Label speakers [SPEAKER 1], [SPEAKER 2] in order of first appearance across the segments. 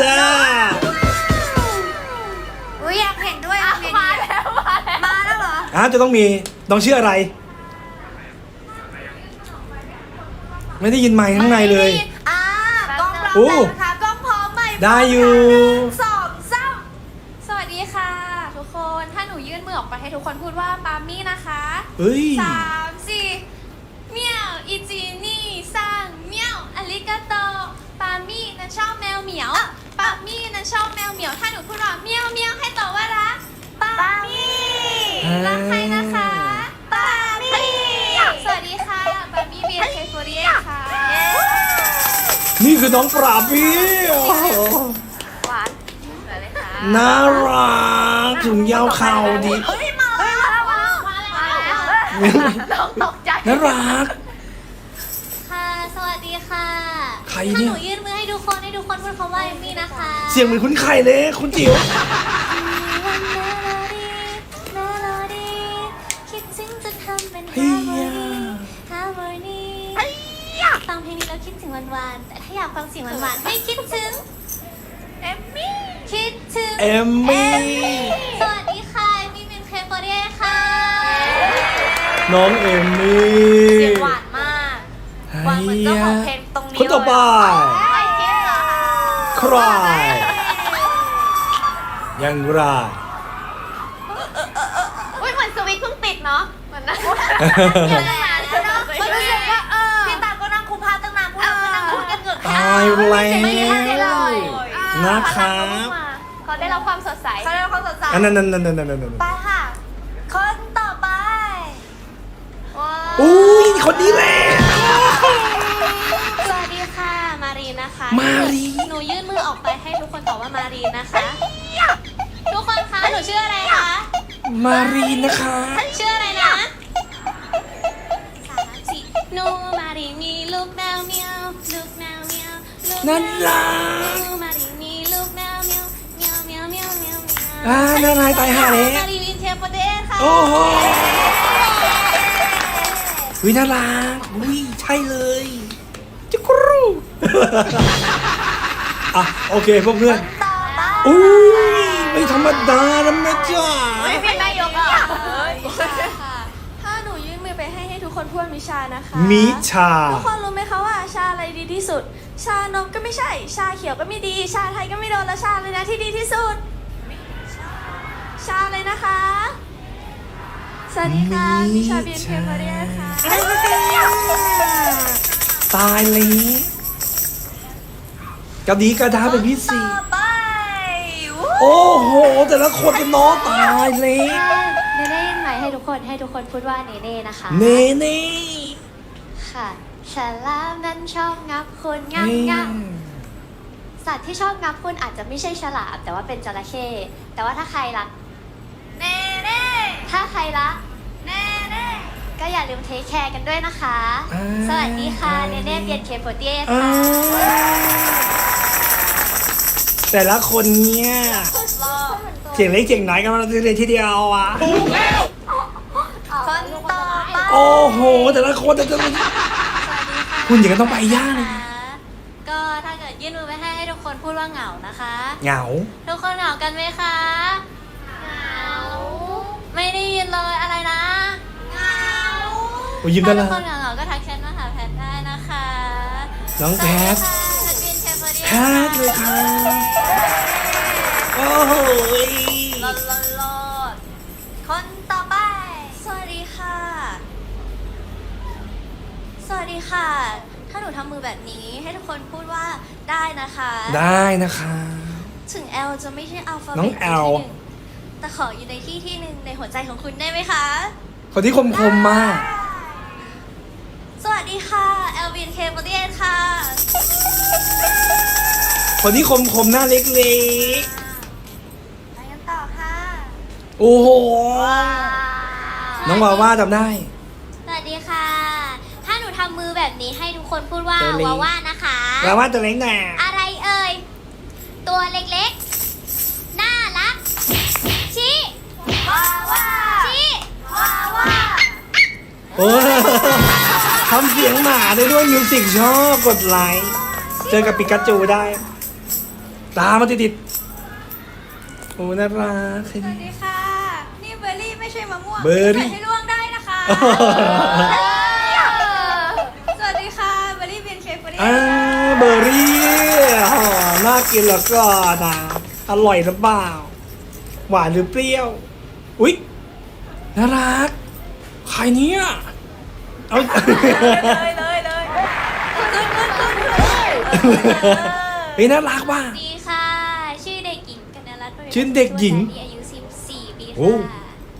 [SPEAKER 1] จ้า
[SPEAKER 2] อุ้ยอยากเห็นด้วยมาแล้วเหรอ
[SPEAKER 1] จะต้องมีต้องชื่ออะไรไม่ได้ยินไมค์ข้างในเลย
[SPEAKER 2] กล้องพร้อมนะคะกล้องพร้อมไหม
[SPEAKER 1] ได้อยู่
[SPEAKER 2] 2 3สวัสดีค่ะทุกคนถ้าหนูยื่นมือออกไปให้ทุกคนพูดว่าปามี่นะคะ
[SPEAKER 1] เฮ้ย
[SPEAKER 2] 3 4เมียวอีจีนี่ซังเมียวอาริกาโตปามี่นั้นชอบแมวเหมียวปามี่นั้นชอบแมวเหมียวถ้าหนูพูดว่าเมียวเมียวให้ตอบว่ารักปามี่รักใครนะคะปามี่สวัสดีค่ะปามี่เบียร์เคฟเรียค่ะ
[SPEAKER 1] นี่คือน้องปราบพี่
[SPEAKER 2] หวานเลยค่ะ
[SPEAKER 1] น่ารักถุงยาวเข่าดี
[SPEAKER 2] เฮ้ยมาแล้วตกใจ
[SPEAKER 1] น่ารัก
[SPEAKER 2] ค่ะสวัสดีค่ะ
[SPEAKER 1] ใครเนี่ย
[SPEAKER 2] หนูยื่นมือให้ทุกคนพูดคำว่าเอมมี่นะคะ
[SPEAKER 1] เสียงเหมือนคุณไข่เลยคุณจิ๋ว
[SPEAKER 2] คิดถึงจะทำเป็นฮาร์โมนีฟังเพลงนี้แล้วคิดถึงวันๆแต่ถ้าอยากฟังเสียงหวานๆให้คิดถึงเอมมี่คิดถึง
[SPEAKER 1] เอมมี่
[SPEAKER 2] สวัสดีค่ะมี่เป็นเคฟเรียค่ะ
[SPEAKER 1] น้องเอมมี่
[SPEAKER 2] เสียงหวานมากหวานเหมือนเจ้าของเพลงตรงนี้
[SPEAKER 1] คนต่อไปใครยังไร
[SPEAKER 2] อุ้ยเหมือนสวิตช์เพิ่งติดเนาะเหมือนนะมันรู้สึกว่าพี่ตาก็นั่งคุมพาตั้งนานพูดนั่งพูดกันเกือบ
[SPEAKER 1] ตายแล้วนะครับ
[SPEAKER 2] เขาได้รับความสดใส
[SPEAKER 1] นั่น
[SPEAKER 2] ไปค่ะคนต่อไป
[SPEAKER 1] อุ้ยคนนี้แหละ
[SPEAKER 2] สวัสดีค่ะมารีนะคะ
[SPEAKER 1] มารี
[SPEAKER 2] หนูยื่นมือออกไปให้ทุกคนตอบว่ามารีนะคะทุกคนคะหนูชื่ออะไรคะ
[SPEAKER 1] มารีนะคะ
[SPEAKER 2] ชื่ออะไรนะ3 4หนูมารีมีลูกแมวเมียวลูกแมวเมียว
[SPEAKER 1] นั่นล่ะ
[SPEAKER 2] หนูมารีมีลูกแมวเมียวเมียวเมียวเมียวเมียว
[SPEAKER 1] น่ารักตายห่าเลย
[SPEAKER 2] มารีวินเทปเดสค่ะ
[SPEAKER 1] โอ้โหวิน่ารักวิใช่เลยจุกรูโอเคพวกเพื่อนอุ้ยไม่ธรรมดานะแม่จ้า
[SPEAKER 2] ไม่เป็นนายกอ่ะถ้าหนูยื่นมือไปให้ทุกคนพูดมิชานะคะ
[SPEAKER 1] มิชา
[SPEAKER 2] ทุกคนรู้ไหมคะว่าชาอะไรดีที่สุดชานมก็ไม่ใช่ชาเขียวก็ไม่ดีชาไทยก็ไม่โดนแล้วชาเลยนะที่ดีที่สุดชาเลยนะคะสวัสดีค่ะมิชาเบียนเทมเรียค่ะ
[SPEAKER 1] ตายเลยกระดีกระดาเป็นพิเศษโอ้โหแต่ละคนเป็นน้องตายเลย
[SPEAKER 2] เนเน่หมายให้ทุกคนพูดว่าเนเน่นะคะ
[SPEAKER 1] เนเน่
[SPEAKER 2] ค่ะฉลามนั้นชอบงับคุณงับสัตว์ที่ชอบงับคุณอาจจะไม่ใช่ฉลามแต่ว่าเป็นจระเข้แต่ว่าถ้าใครรักเนเน่ถ้าใครรักเนเน่ก็อย่าลืมเทคแคร์กันด้วยนะคะสวัสดีค่ะเนเน่เบียนเคโปเตียค่ะ
[SPEAKER 1] แต่ละคนเนี่ยเจ๋งเล็กเจ๋งน้อยกันมาเลยทีเดียวอ่ะ
[SPEAKER 2] คนต่อไป
[SPEAKER 1] โอ้โหแต่ละคนแต่ละคุณอย่างนั้นต้องไปย่าเลย
[SPEAKER 2] ก็ถ้าเกิดยื่นมือไปให้ทุกคนพูดว่าเหงานะคะ
[SPEAKER 1] เหงา
[SPEAKER 2] ทุกคนเหงากันไหมคะเหงาไม่ได้ยินเลยอะไรนะเหงา
[SPEAKER 1] ถ้า
[SPEAKER 2] ทุกคนเหงาก็ทักแชทมาหาแพทได้นะคะ
[SPEAKER 1] น้องแพทแพทเลยค่ะโอ้โห
[SPEAKER 2] ลดคนต่อไปสวัสดีค่ะสวัสดีค่ะถ้าหนูทำมือแบบนี้ให้ทุกคนพูดว่าได้นะคะ
[SPEAKER 1] ได้นะคะ
[SPEAKER 2] ถึง L จะไม่ใช่อัลฟาเบต
[SPEAKER 1] น้อง L
[SPEAKER 2] แต่ขออยู่ในที่หนึ่งในหัวใจของคุณได้ไหมคะ
[SPEAKER 1] คนที่คมมาก
[SPEAKER 2] สวัสดีค่ะ Elvin Kปฏิเอค่ะ
[SPEAKER 1] คนที่คมหน้าเล็ก
[SPEAKER 2] ไปกันต่อค่ะ
[SPEAKER 1] โอ้โหน้องวาว่าจำได้
[SPEAKER 2] สวัสดีค่ะถ้าหนูทำมือแบบนี้ให้ทุกคนพูดว่าวาว่านะคะ
[SPEAKER 1] วาว่าตัวเล็กไง
[SPEAKER 2] อะไรเอ่ยตัวเล็กๆน่ารักชี้วาว่าชี้วาว่า
[SPEAKER 1] โอ้ทำเสียงหมาได้ด้วยมิวสิกชอบกดไลค์เจอกับปิกาจูได้ตามมาติดๆโอ้น่ารัก
[SPEAKER 3] สวัสดีค่ะ นี่เบอร์รี่ไม่ใช่มะม่วง
[SPEAKER 1] เบอร์รี่
[SPEAKER 3] ใส่ให้ล่วงได้นะคะ สวัสดีค่ะ เบอร์รี่เบียนเคฟเบอร์รี่
[SPEAKER 1] เบอร์รี่อ๋อน่ากินแล้วก็นะอร่อยหรือเปล่าหวานหรือเปรี้ยวอุ๊ยน่ารักใครเนี่ยเอา
[SPEAKER 3] เลย
[SPEAKER 1] เฮ้ยน่ารักว่ะ
[SPEAKER 2] สวัสดีค่ะ ชื่อเด็กหญิงกนรัตน์
[SPEAKER 1] ชื่อเด็กหญิง
[SPEAKER 2] มีอายุ 14 ปี
[SPEAKER 1] โอ้
[SPEAKER 2] ค่ะ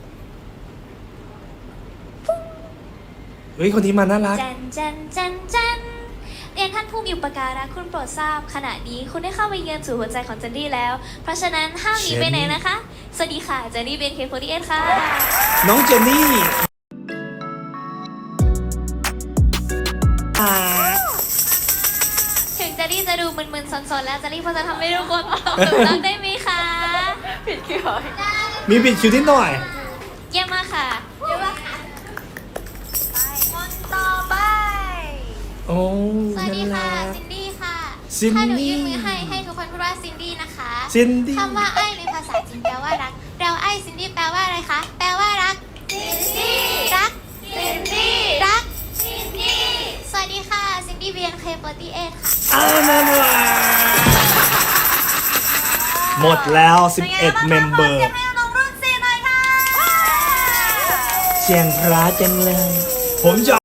[SPEAKER 1] เฮ้ยคนนี้มาน่ารัก
[SPEAKER 2] จันเรียนท่านผู้มีอุปการะคุณโปรดทราบขณะนี้คุณได้เข้าไปเยือนสู่หัวใจของเจนนี่แล้ว เพราะฉะนั้นห้ามหนีไปไหนนะคะ สวัสดีค่ะเจนนี่เบนเคโฟดีเอค่ะ
[SPEAKER 1] น้องเจนนี่อ่า
[SPEAKER 2] ถึงเจนนี่จะดูมึนๆซนๆแล้วเจนนี่พอจะทำให้ทุกคนตกหลุมรักได้ไหมคะ
[SPEAKER 3] ผิดคิว
[SPEAKER 1] มีปิดคิวนิดหน่อย
[SPEAKER 2] เยี่ยมมากค่ะ
[SPEAKER 3] คนต่อไป
[SPEAKER 1] โอ้
[SPEAKER 2] สวัสดีค่ะ
[SPEAKER 1] น่ารัก
[SPEAKER 2] ซินดี้ค่ะ
[SPEAKER 1] ซินดี้
[SPEAKER 2] ถ้าหนูยื่นมือให้ทุกคนพูดว่าซินดี้นะคะ
[SPEAKER 1] ซินดี้
[SPEAKER 2] คำว่าไอ้ในภาษาจีนแปลว่ารัก เราไอ้ซินดี้แปลว่าอะไรคะ แปลว่ารัก ซินดี้ รัก ซินดี้ รัก ซินดี้ สวัสดีค่ะ ซินดี้เบียนเคป48ค่ะ
[SPEAKER 1] น่ารักหมดแล้ว11เมมเบอร์
[SPEAKER 3] ให้น้องรุ่น4หน่อยค่ะ
[SPEAKER 1] เสียงพระจังเลย ผมจะ